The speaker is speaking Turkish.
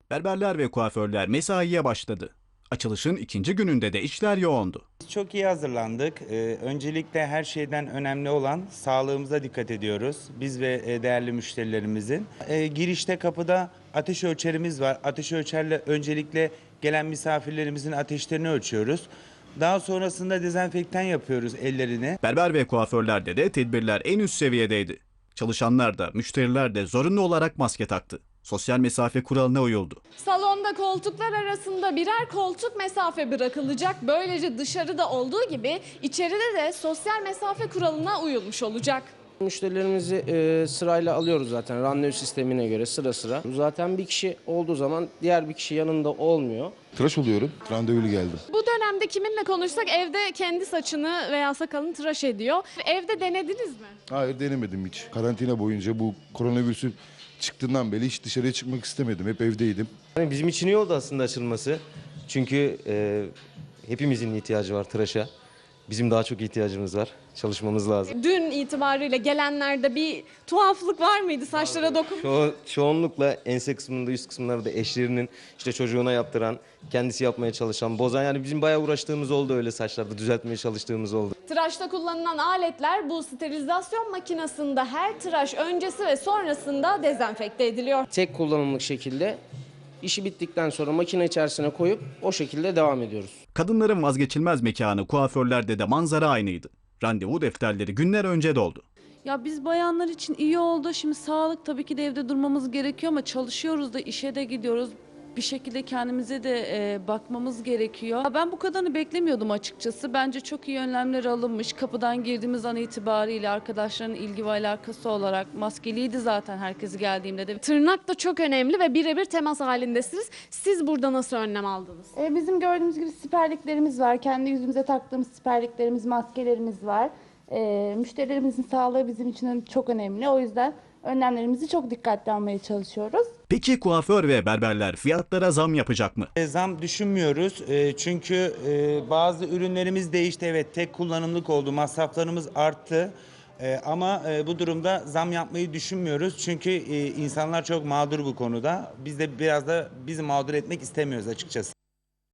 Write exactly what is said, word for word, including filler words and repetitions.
Berberler ve kuaförler mesaiye başladı. Açılışın ikinci gününde de işler yoğundu. Biz çok iyi hazırlandık. Ee, öncelikle her şeyden önemli olan sağlığımıza dikkat ediyoruz. Biz ve e, değerli müşterilerimizin. Ee, girişte kapıda ateş ölçerimiz var. Ateş ölçerle öncelikle gelen misafirlerimizin ateşlerini ölçüyoruz. Daha sonrasında dezenfektan yapıyoruz ellerini. Berber ve kuaförlerde de tedbirler en üst seviyedeydi. Çalışanlar da müşteriler de zorunlu olarak maske taktı. Sosyal mesafe kuralına uyuldu. Salonda koltuklar arasında birer koltuk mesafe bırakılacak. Böylece dışarıda olduğu gibi içeride de sosyal mesafe kuralına uyulmuş olacak. Müşterilerimizi e, sırayla alıyoruz zaten randevu sistemine göre sıra sıra. Zaten bir kişi olduğu zaman diğer bir kişi yanında olmuyor. Tıraş oluyorum. Randevulu geldim. Bu dönemde kiminle konuşsak evde kendi saçını veya sakalını tıraş ediyor. Evde denediniz mi? Hayır denemedim hiç. Karantina boyunca bu koronavirüsü çıktığından beri hiç dışarıya çıkmak istemedim. Hep evdeydim. Yani bizim için iyi oldu aslında açılması. Çünkü e, hepimizin ihtiyacı var tıraşa. Bizim daha çok ihtiyacımız var. Çalışmamız lazım. Dün itibariyle gelenlerde bir tuhaflık var mıydı saçlara dokun? Ço çoğunlukla ense kısmında, üst kısımlarda eşlerinin işte çocuğuna yaptıran, kendisi yapmaya çalışan, bozan, yani bizim bayağı uğraştığımız oldu, öyle saçlarda düzeltmeye çalıştığımız oldu. Tıraşta kullanılan aletler bu sterilizasyon makinesinde her tıraş öncesi ve sonrasında dezenfekte ediliyor. Tek kullanımlık şekilde işi bittikten sonra makine içerisine koyup o şekilde devam ediyoruz. Kadınların vazgeçilmez mekanı kuaförlerde de manzara aynıydı. Randevu defterleri günler önce doldu. Ya biz bayanlar için iyi oldu. Şimdi sağlık tabii ki de evde durmamız gerekiyor ama çalışıyoruz da işe de gidiyoruz. Bir şekilde kendimize de e, bakmamız gerekiyor. Ya ben bu kadarını beklemiyordum açıkçası. Bence çok iyi önlemler alınmış. Kapıdan girdiğimiz an itibariyle arkadaşların ilgi ve alakası olarak maskeliydi zaten herkes geldiğimde de. Tırnak da çok önemli ve birebir temas halindesiniz. Siz burada nasıl önlem aldınız? E, Bizim gördüğümüz gibi siperliklerimiz var. Kendi yüzümüze taktığımız siperliklerimiz, maskelerimiz var. E, müşterilerimizin sağlığı bizim için çok önemli. O yüzden önlemlerimizi çok dikkatli almaya çalışıyoruz. Peki kuaför ve berberler fiyatlara zam yapacak mı? E, Zam düşünmüyoruz. E, çünkü e, bazı ürünlerimiz değişti. Evet, tek kullanımlık oldu. Masraflarımız arttı. E, ama e, bu durumda zam yapmayı düşünmüyoruz. Çünkü e, insanlar çok mağdur bu konuda. Biz de biraz da bizi mağdur etmek istemiyoruz açıkçası.